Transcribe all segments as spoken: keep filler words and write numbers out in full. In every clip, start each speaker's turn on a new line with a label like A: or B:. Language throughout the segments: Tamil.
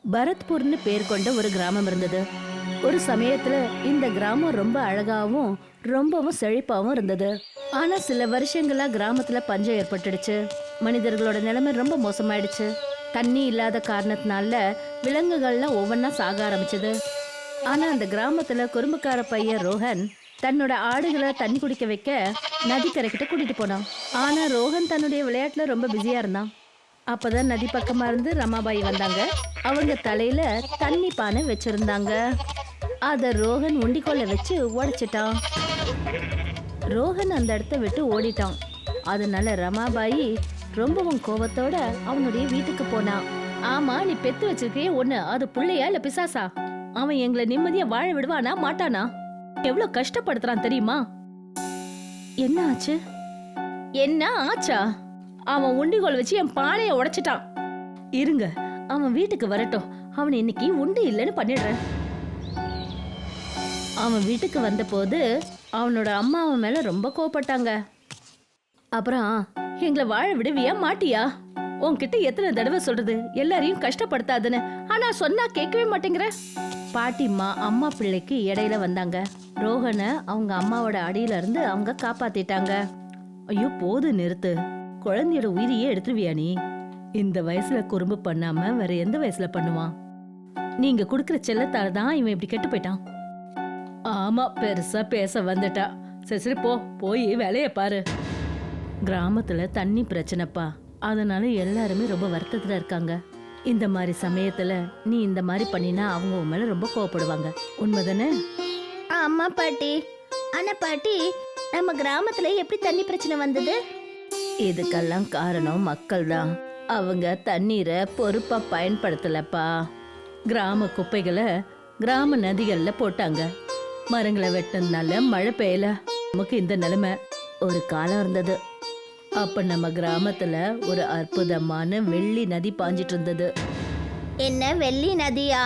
A: பரத்பூர்னு பேர் கொண்ட ஒரு கிராமம் இருந்தது. ஒரு சமயத்துல இந்த கிராமம் ரொம்ப அழகாவும் ரொம்பவும் செழிப்பாவும் இருந்தது. ஆனா சில வருஷங்களா கிராமத்துல பஞ்சம் ஏற்பட்டுடுச்சு. மனிதர்களோட நிலைமை ரொம்ப மோசமாயிடுச்சு. தண்ணி இல்லாத காரணத்தினால விலங்குகள்லாம் ஒவ்வொன்னா சாக ஆரம்பிச்சது. ஆனா அந்த கிராமத்துல குறும்புக்கார பையன் ரோஹன் தன்னோட ஆடுகளை தண்ணி குடிக்க வைக்க நதிக்கரைக்கிட்ட கூட்டிட்டு போனான். ஆனா ரோஹன் தன்னுடைய விளையாட்டுல ரொம்ப பிஸியா இருந்தான். அப்பதான் நதி பக்கமா இருந்து ரமாபாய் வந்தாங்க. அவங்க தலையில தண்ணி பானை வச்சிருந்தாங்க. அத ரோஹன் உண்டிக்கோல வச்சு உடைச்சிட்டான். ரோஹன் அந்த இடத்த விட்டு ஓடிட்டான். அதனால ரமாபாயி ரொம்பவும் கோவத்தோட அவனுடைய வீட்டுக்கு போனான். ஆமா, நீ பெத்து வச்சிருக்கே ஒண்ணு, அது புள்ளையா இல்ல பிசாசா? அவன் எங்களை நிம்மதியா வாழ விடுவானா மாட்டானா? எவ்வளவு கஷ்டப்படுத்துறான் தெரியுமா? என்ன ஆச்சு? என்ன ஆச்சா? அவன் உண்டிகோல் வச்சு என் பானைய உடைச்சிட்டான். இருங்க, அவன் வீட்டுக்கு வரட்டும். அவன் இன்னைக்கு உண்டு இல்லைன்னு பண்ணிடுறேன். அவன் வீட்டுக்கு வந்த போது அவனோட அம்மா அவன் மேல ரொம்ப கோவப்பட்டாங்க. அப்புறம் எங்களை வாழ விடுவியா மாட்டியா? உன்கிட்ட எத்தனை தடவை சொல்றது எல்லாரையும் கஷ்டப்படுத்தாதுன்னு, ஆனா சொன்னா கேட்கவே மாட்டேங்கிற. பாட்டிம்மா அம்மா பிள்ளைக்கு இடையில வந்தாங்க. ரோஹனை அவங்க அம்மாவோட அடியில இருந்து அவங்க காப்பாத்திட்டாங்க. ஐயோ போது நிறுத்து, குழந்தையோட உயிரையே எடுத்துருவியா நீ? இந்த வயசுல குறும்பு பண்ணாம வேற எந்த வயசுல பண்ணுவான்? நீங்க குடுக்கற செல்லத்தால தான் இவன் இப்படி கெட்டு போயிட்டான். ஆமா, பெருசா பேச வந்துட்டா. சரி சரி போ, போய் வேலைய பாரு. கிராமத்துல தண்ணி பிரச்சனைப்பா, அதனால எல்லாருமே ரொம்ப வருத்தத்துல இருக்காங்க. இந்த மாதிரி சமயத்துல நீ இந்த மாதிரி பண்ணினா அவங்க உன் மேல ரொம்ப கோவப்படுவாங்க. உண்மைதானே?
B: ஆமா பாட்டி. ஆனா பாட்டி, நம்ம கிராமத்துல எப்படி தண்ணி பிரச்சனை வந்தது?
A: இதுக்கெல்லாம் காரணம் மக்கள் தான். அவங்க தண்ணீரை பொறுப்பா பயன்படுத்தலப்பா. கிராம குப்பைகளை கிராம நதிகள்ல போட்டாங்க. மரங்களை வெட்டினதுனால மழை பெய்யல. நமக்கு இந்த நிலைமை. ஒரு காலம் இருந்தது, அப்ப நம்ம கிராமத்துல ஒரு அற்புதமான வெள்ளி நதி பாஞ்சிட்டு இருந்தது.
B: என்ன வெள்ளி நதியா?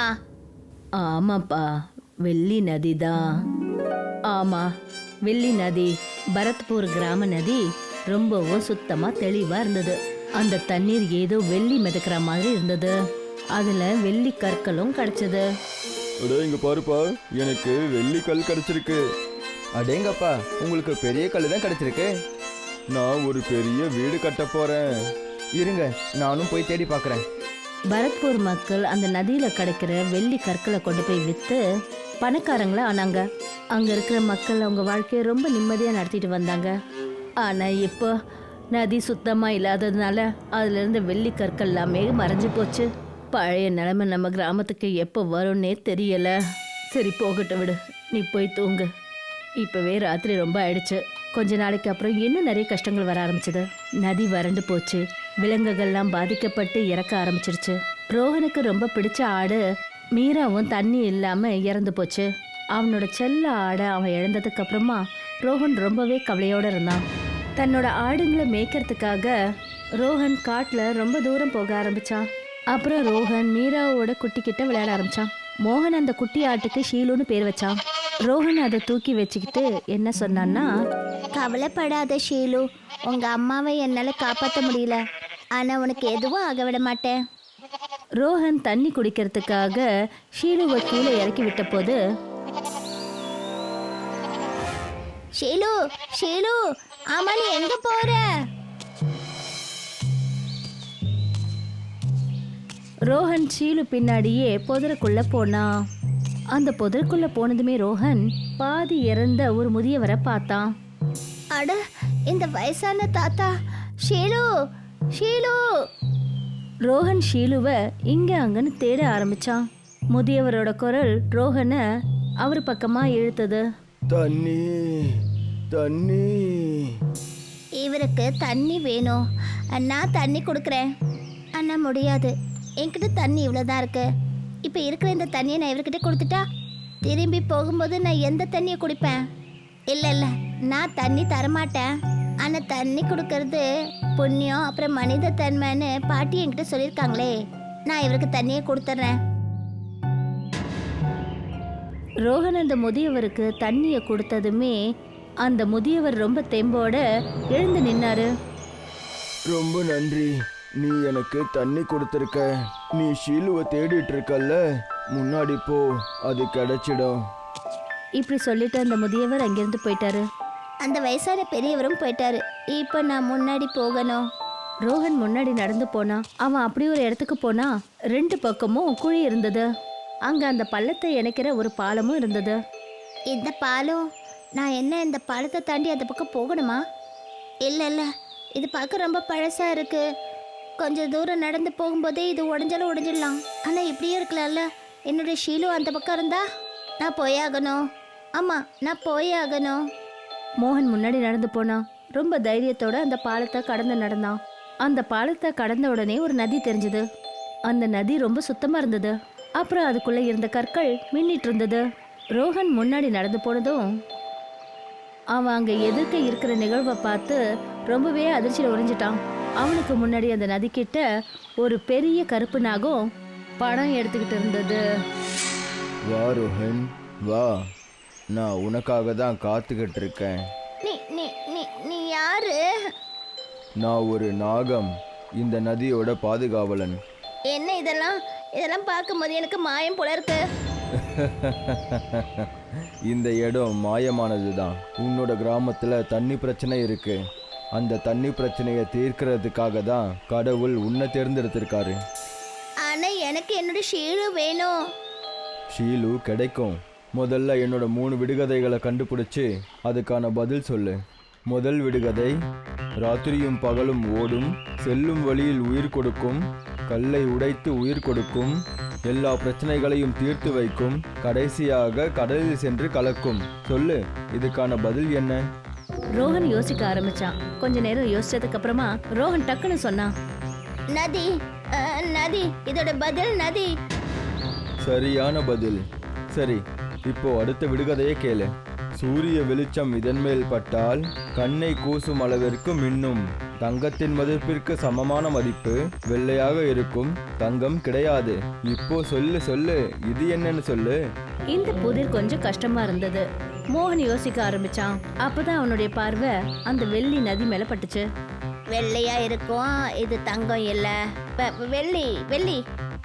A: ஆமாப்பா, வெள்ளி நதி தான். ஆமா, வெள்ளி நதி. பரத்பூர் கிராம நதி ரொம்பவும் சுத்தமா தெளிவா இருந்தது. அந்த தண்ணீர் ஏதோ வெள்ளி மிதக்கிற மாதிரி இருந்தது. அதுல வெள்ளி கற்களும் கிடைச்சது.
C: அடே இங்க பாருப்பா, எனக்கு வெள்ளி கல் கிடைச்சிருக்கு.
D: அடேங்கப்பா, உங்களுக்கு பெரிய கல் தான் கிடைச்சிருக்கு.
C: நான் ஒரு பெரிய வீடு கட்ட போறேன்.
D: இருங்க, நானும் போய் தேடி பார்க்கறேன்.
A: பரத்பூர் மக்கள் அந்த நதியில கிடைக்கிற வெள்ளி கற்களை கொண்டு போய் வித்து பணக்காரங்களா ஆனாங்க. அங்க இருக்கிற மக்கள் அவங்க வாழ்க்கையை ரொம்ப நிம்மதியா நடத்திட்டு வந்தாங்க. ஆனா இப்போ நதி சுத்தமா இல்லாததுனால அதுல இருந்த வெள்ளி கற்கள் எல்லாமே மறைஞ்சு போச்சு. பழைய நிலைமை நம்ம கிராமத்துக்கு எப்போ வரும்னே தெரியல. சரி போகட்டும், விடு, நீ போய் தூங்கு. இப்பவே ராத்திரி ரொம்ப ஆயிடுச்சு. கொஞ்ச நாளைக்கு அப்புறம் இன்னும் நிறைய கஷ்டங்கள் வர ஆரம்பிச்சது. நதி வறண்டு போச்சு. விலங்குகள்லாம் பாதிக்கப்பட்டு இறக்க ஆரம்பிச்சிருச்சு. ரோஹனுக்கு ரொம்ப பிடிச்ச ஆடு மீராவும் தண்ணி இல்லாம இறந்து போச்சு. அவனோட செல்ல ஆடை அவன் இழந்ததுக்கு அப்புறமா ரோஹன் ரொம்பவே கவலையோட இருந்தான். தன்னோட ஆடுங்களை மேய்க்கிறதுக்காக ரோஹன் காட்டுல ரொம்ப தூரம் போக ஆரம்பிச்சான். அப்புறம் ரோஹன் மீராவோட குட்டி கிட்ட விளையாட ஆரம்பிச்சான். மோகன் அந்த குட்டி ஆட்டுக்கு ஷீலுன்னு பேர் வச்சான். ரோஹன் அதை தூக்கி வச்சுக்கிட்டு என்ன சொன்னான்னா,
B: கவலைப்படாத ஷீலு, உங்க அம்மாவை என்னால காப்பாற்ற முடியல, ஆனா உனக்கு எதுவும் ஆக விட மாட்டேன்.
A: ரோஹன் தண்ணி குடிக்கிறதுக்காக ஷீலுவை கீழே இறக்கி விட்ட போது,
B: ஷீலு ஷீலு, ஆமா நீ எங்க போற?
A: ரோஹன் ஷீலு பின்னாடியே புதருக்குள்ள போனான். அந்த புதருக்குள்ள போனதுமே ரோஹன் பாதி இறந்த ஒரு முதியவரை பார்த்தான்.
B: அட, இந்த வயசான தாத்தா. ஷீலு ஷீலு.
A: ரோஹன் ஷீலுவை இங்க அங்கன்னு தேட ஆரம்பிச்சான். முதியவரோட குரல் ரோஹனை அவர் பக்கமா இழுத்தது.
D: தண்ணி தண்ணி.
B: இவருக்கு தண்ணி வேணும். நான் தண்ணி கொடுக்குறேன். அண்ணா முடியாது, என்கிட்ட தண்ணி இவ்வளோதான் இருக்கு. இப்போ இருக்கிற இந்த தண்ணியை நான் இவர்கிட்ட கொடுத்துட்டா திரும்பி போகும்போது நான் எந்த தண்ணியை குடிப்பேன்? இல்லை இல்லை, நான் தண்ணி தரமாட்டேன். ஆனால் தண்ணி கொடுக்கறது புண்ணியம், அப்புறம் மனித தன்மைன்னு பாட்டி என்கிட்ட சொல்லியிருக்காங்களே, நான் இவருக்கு தண்ணியை கொடுத்துட்றேன்.
A: ரோஹன் அந்த முதியவருக்கு தண்ணியை கொடுத்ததுமே அந்த முதியவர் ரொம்ப தெம்போட எழுந்து நின்னாரு.
D: ரொம்ப நன்றி, நீ எனக்கு தண்ணி கொடுத்துருக்க.
C: நீ ஷீலுவை தேடிட்டு இருக்கல்ல, முன்னாடி போ, அது கிடைச்சிடும்.
A: இப்படி சொல்லிட்டு அந்த முதியவர் அங்கிருந்து போயிட்டாரு.
B: அந்த வயசான பெரியவரும் போயிட்டாரு. இப்போ நான் முன்னாடி போகணும்.
A: ரோஹன் முன்னாடி நடந்து போனா. அவன் அப்படி ஒரு இடத்துக்கு போனா ரெண்டு பக்கமும் குழி இருந்தது. அங்க அந்த பள்ளத்தை இணைக்கிற ஒரு பாலமும் இருந்தது.
B: இந்த பாலம், நான் என்ன இந்த பாலத்தை தாண்டி அந்த பக்கம் போகணுமா? இல்லை இல்லை, இது பார்க்க ரொம்ப பழசா இருக்கு. கொஞ்சம் தூரம் நடந்து போகும்போதே இது உடஞ்சாலும் உடஞ்சிடலாம். ஆனால் இப்படியே இருக்கலாம்ல. என்னுடைய ஷீலு அந்த பக்கம் இருந்தா நான் போயாகணும். ஆமாம், நான் போயாகணும்.
A: மோகன் முன்னாடி நடந்து போனான். ரொம்ப தைரியத்தோட அந்த பாலத்தை கடந்து நடந்தான். அந்த பாலத்தை கடந்த உடனே ஒரு நதி தெரிஞ்சது. அந்த நதி ரொம்ப சுத்தமா இருந்தது. அப்புறம் அதுக்குள்ள இருந்த கற்கள் மின்னிட்டு இருந்தது. ரோஹன் முன்னாடி நடந்து போனதும் அவன் அங்க எதிர்க்க இருக்கிற நிகழ்வை பார்த்து ரொம்பவே அதிர்ச்சியில் உறைஞ்சிட்டான். அவனுக்கு முன்னாடி அந்த நதி கிட்ட ஒரு பெரிய கருப்பு நாகம் படம் எடுத்துக்கிட்டு இருந்தது.
C: வா ரோஹன், வா, நான் உனக்காக தான் காத்துக்கிட்டு இருக்கேன்.
B: நீ நீ நீ நீ யாரு?
C: நான் ஒரு நாகம், இந்த நதியோட பாதுகாவலன்.
B: என்ன இதெல்லாம் இதெல்லாம் பார்க்கும்போது எனக்கு மாயம் போல இருக்கு.
C: இந்த இடம் மாயமானது தான். உன்னோட கிராமத்தில் தண்ணி பிரச்சனை இருக்கு. அந்த தண்ணி பிரச்சனையை தீர்க்கிறதுக்காக தான் கடவுள் உன்னை தேர்ந்தெடுத்திருக்காரு.
B: ஆனா எனக்கு என்னோட ஷீலு வேணும்.
C: ஷீலு கிடைக்கும். முதல்ல என்னோட மூணு விடுகதைகளை கண்டுபிடிச்சு அதுக்கான பதில் சொல்லு. முதல் விடுகதை, ராத்திரியும் பகலும் ஓடும், செல்லும் வழியில் உயிர் கொடுக்கும், கல்லை உடைத்து உயிர் கொடுக்கும், எல்லா பிரச்சனைகளையும் தீர்த்து வைக்கும், கடைசியாக கடலில் சென்று கலக்கும். சொல்லு, இதுக்கான பதில் என்ன?
A: ரோஹன் யோசிக்க ஆரம்பிச்சான். கொஞ்ச நேரம் யோசிச்சதுக்கு அப்புறமா ரோஹன் டக்குன்னு சொன்னான்,
B: நதி. அஹ், நதி. இதோட பதில் நதி.
C: சரியான பதில். சரி, இப்போ அடுத்த விடுகதையை கேளு. சூரிய வெளிச்சம் இதன் மேல் பட்டால் கண்ணை கூசும் அளவிற்கு மின்னும், தங்கத்தின் மதிப்பிற்கு சமமான மதிப்பு, வெள்ளையாக இருக்கும், தங்கம் கிடையாது. இப்போ சொல்லு சொல்லு, இது என்னன்னு சொல்லு.
A: இந்த புதிர் கொஞ்சம் கஷ்டமா இருந்தது. மோகன் யோசிக்க ஆரம்பிச்சான். அப்பதான் அவனுடைய பார்வை அந்த வெள்ளி நதி மேல பட்டுச்சு.
B: வெள்ளையா இருக்கும், இது தங்கம் இல்ல. வெ- வெள்ளி வெள்ளி.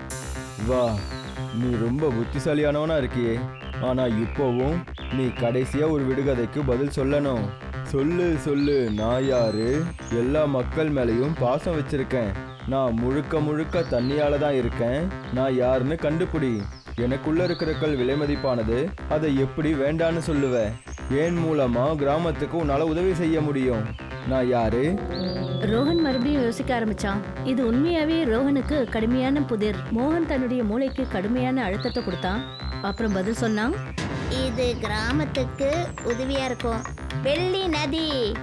C: வா, நீ ரொம்ப புத்திசாலியானவனா இருக்கியே. ஆனா இப்போவும் நீ கடைசியா ஒரு விடுகதைக்கு பதில் சொல்லணும். சொல்லு சொல்லு, நான் யாரு? எல்லா மக்கள் மேலேயும் பாசம் வச்சிருக்கேன். நான் முழுக்க முழுக்க தண்ணியால தான் இருக்கேன். நான் யாருன்னு கண்டுபிடி. எனக்குள்ள இருக்கிற கல் விலை மதிப்பானது. அதை எப்படி வேண்டான்னு சொல்லுவ? ஏன் மூலமா கிராமத்துக்கு உன்னால உதவி செய்ய முடியும். நான் யாரு?
A: ரோஹன் மறுபடியும் யோசிக்க ஆரம்பிச்சான். இது உண்மையாவே ரோஹனுக்கு கடுமையான புதிர். மோகன் தன்னுடைய மூளைக்கு கடுமையான அழுத்தத்தை கொடுத்தான். அப்புறம் பதில் சொன்னான்,
B: இது கிராமத்துக்கு உதவியா இருக்கும். வெள்ளி நதி.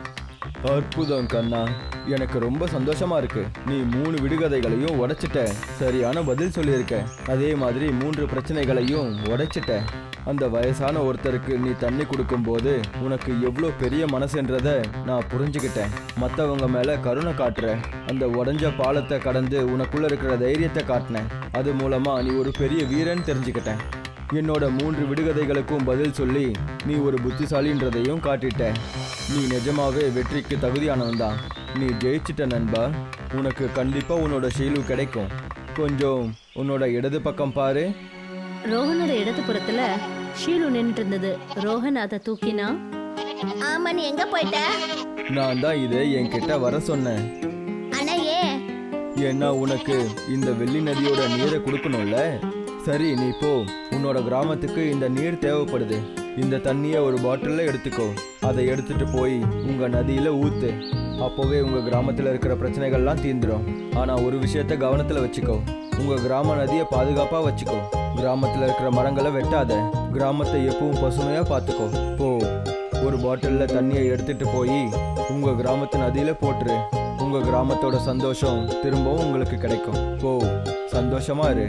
C: அற்புதம் கண்ணா, எனக்கு ரொம்ப சந்தோஷமா இருக்கு. நீ மூணு விடுகதைகளையும் உடைச்சிட்ட. சரியான பதில் சொல்லியிருக்க. அதே மாதிரி மூன்று பிரச்சனைகளையும் உடைச்சிட்ட. அந்த வயசான ஒருத்தருக்கு நீ தண்ணி கொடுக்கும்போது உனக்கு எவ்வளோ பெரிய மனசுன்றத நான் புரிஞ்சுக்கிட்டேன். மற்றவங்க மேல கருணை காட்டுற. அந்த உடஞ்ச பாலத்தை கடந்து உனக்குள்ள இருக்கிற தைரியத்தை காட்டினேன். அது மூலமா நீ ஒரு பெரிய வீரன் தெரிஞ்சுக்கிட்டேன். என்னோட மூன்று விடுகதைகளுக்கும் பதில் சொல்லி நீ ஒரு புத்திசாலின்றதையும் காட்டிட்ட. நீ நிஜமாவே வெற்றிக்கு தகுதியானவன் தான். நீ ஜெயிச்சிட்ட நண்பா. உனக்கு கண்டிப்பா உன்னோட ஷீலு கிடைக்கும். கொஞ்சம் உன்னோட இடது பக்கம் பாரு.
A: ரோஹனோட இடது புறத்துல ஷீலு நின்றுட்டு இருந்தது. ரோஹன் அதை தூக்கினா.
B: ஆமா, நீ எங்க போயிட்ட?
C: நான் தான் இதை என்கிட்ட வர சொன்னேன்.
B: ஆனா ஏன்?
C: ஏன்னா உனக்கு இந்த வெள்ளி நதியோட நீரை கொடுக்கணும்ல. சரி, நீ போ. உன்னோட கிராமத்துக்கு இந்த நீர் தேவைப்படுது. இந்த தண்ணியை ஒரு பாட்டிலில் எடுத்துக்கோ. அதை எடுத்துட்டு போய் உங்க நதியில ஊத்து. அப்போவே உங்க கிராமத்தில் இருக்கிற பிரச்சனைகள்லாம் தீர்ந்துடும். ஆனா ஒரு விஷயத்த கவனத்துல வச்சுக்கோ. உங்க கிராம நதியை பாதுகாப்பா வச்சுக்கோ. கிராமத்துல இருக்கிற மரங்களை வெட்டாத. கிராமத்தை எப்பவும் பசுமையா பார்த்துக்கோ. போ, ஒரு பாட்டிலில் தண்ணியை எடுத்துட்டு போய் உங்க கிராமத்து நதியில போட்டுரு. உங்க கிராமத்தோட சந்தோஷம் திரும்பவும் உங்களுக்கு கிடைக்கும். போ, சந்தோஷமா இரு.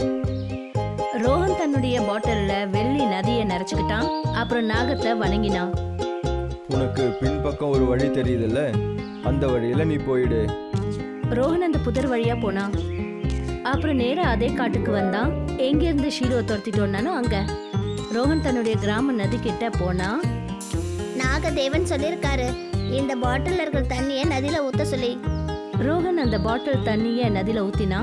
A: ரோஹன் தன்னுடைய பாட்டில்ல வெள்ளி நதியை நிறைச்சுக்கிட்டான். அப்புறம் நாகத்தை வணங்கினான்.
C: உனக்கு பின்பக்கம் ஒரு வழி தெரியுதுல்ல, அந்த வழியில நீ போயிடு.
A: ரோஹன் அந்த புதர் வழியா போனான். அப்புறம் நேரா அதே காட்டுக்கு வந்தான். எங்க இருந்து ஷீலுவை துரத்திட்டு வந்தானோ அங்க. ரோஹன் தன்னுடைய கிராம நதி கிட்ட போனா.
B: நாகதேவன் சொல்லியிருக்காரு, இந்த பாட்டில் இருக்கிற தண்ணியை நதியில ஊத்த சொல்லி.
A: ரோஹன் அந்த பாட்டில் தண்ணிய நதியில ஊத்தினான்.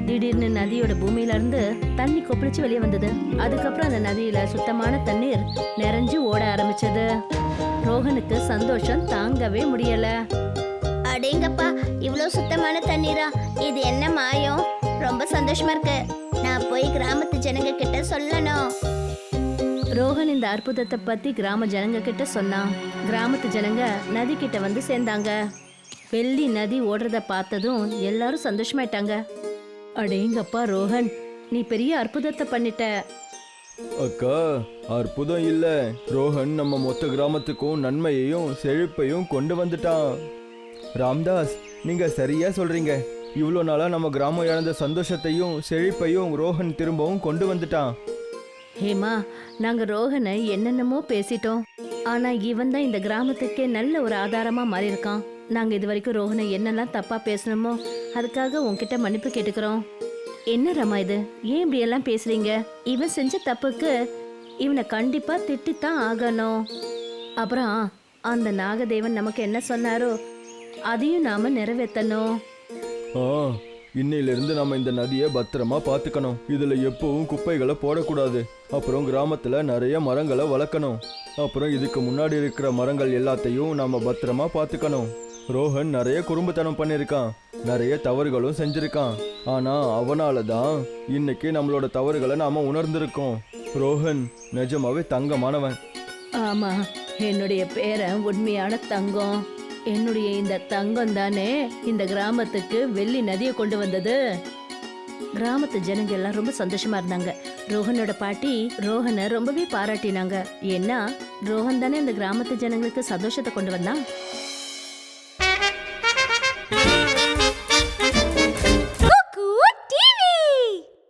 A: திடீர்னு நதியோட பூமியில இருந்து தண்ணி கொப்பளிச்சு வெளியே வந்தது. அதுக்கப்புறம் அந்த நதியில சுத்தமான தண்ணீர் நிறைஞ்சு ஓட ஆரம்பிச்சது. ரோஹனுக்கு சந்தோஷம் தாங்கவே முடியல.
B: அடேங்கப்பா, இவ்வளோ சுத்தமான தண்ணீரா? இது என்ன மாயம்? ரொம்ப சந்தோஷமா இருக்கு. நான் போய் கிராமத்து ஜனங்க கிட்ட சொல்லணும்.
A: ரோஹன் இந்த அற்புதத்தை பத்தி கிராம ஜனங்க கிட்ட சொன்னான். கிராமத்து ஜனங்க நதி கிட்ட வந்து சேர்ந்தாங்க. வெள்ளி நதி ஓடுறத பார்த்ததும் எல்லாரும் சந்தோஷமாயிட்டாங்க. அடேங்கப்பா ரோஹன், நீ பெரிய அற்புதத்தை பண்ணிட்ட.
C: அக்கா, அற்புதம் இல்ல, ரோஹன் நம்ம மொத்த கிராமத்துக்கும் நன்மையையும் செழிப்பையும் கொண்டு வந்துட்டான். ராம்தாஸ், நீங்க சரியா சொல்றீங்க. இவ்வளோ நாளா நம்ம கிராமம் இழந்த சந்தோஷத்தையும் செழிப்பையும் ரோஹன் திரும்பவும் கொண்டு வந்துட்டான்.
A: ஹேமா, நாங்க ரோஹனை என்னென்னமோ பேசிட்டோம். ஆனா இவன் தான் இந்த கிராமத்துக்கே நல்ல ஒரு ஆதாரமா மாறி இருக்கான். நாங்க இது வரைக்கும் ரோஹனை என்னெல்லாம் தப்பா பேசணுமோ அதுக்காக உன்கிட்ட மன்னிப்பு கேட்டுக்கிறோம். என்ன ரமா இது, ஏன் இப்படி எல்லாம் பேசுறீங்க? இவன் செஞ்ச தப்புக்கு இவனை கண்டிப்பா திட்டித்தான் ஆகணும். அப்புறம் அந்த நாகதேவன் நமக்கு என்ன சொன்னாரோ அதையும் நாம நிறைவேற்றணும்.
C: ஆ, இன்னையிலிருந்து நம்ம இந்த நதியை பத்திரமா பார்த்துக்கணும். இதுல எப்பவும் குப்பைகளை போடக்கூடாது. அப்புறம் கிராமத்துல நிறைய மரங்களை வளர்க்கணும். அப்புறம் இதுக்கு முன்னாடி இருக்கிற மரங்கள் எல்லாத்தையும் நாம பத்திரமா பார்த்துக்கணும். ரோஹன் நிறைய குறும்புத்தனம் பண்ணியிருக்கான், நிறைய தவறுகளும் செஞ்சிருக்கான். ஆனா அவனால தான் இன்னைக்கு நம்மளோட தவறுகளை நாம உணர்ந்திருக்கோம். ரோஹன் நிஜமாவே தங்கமானவன்.
A: ஆமா, என்னுடைய பேரன் உண்மையான தங்கம். என்னுடைய இந்த தங்கம் தானே இந்த கிராமத்துக்கு வெள்ளி நதியை கொண்டு வந்தது. கிராமத்து ஜனங்க எல்லாம் ரொம்ப சந்தோஷமா இருந்தாங்க. ரோஹனோட பாட்டி ரோஹனை ரொம்பவே பாராட்டினாங்க. ஏன்னா ரோஹன் தானே இந்த கிராமத்து ஜனங்களுக்கு சந்தோஷத்தை கொண்டு வந்தான்.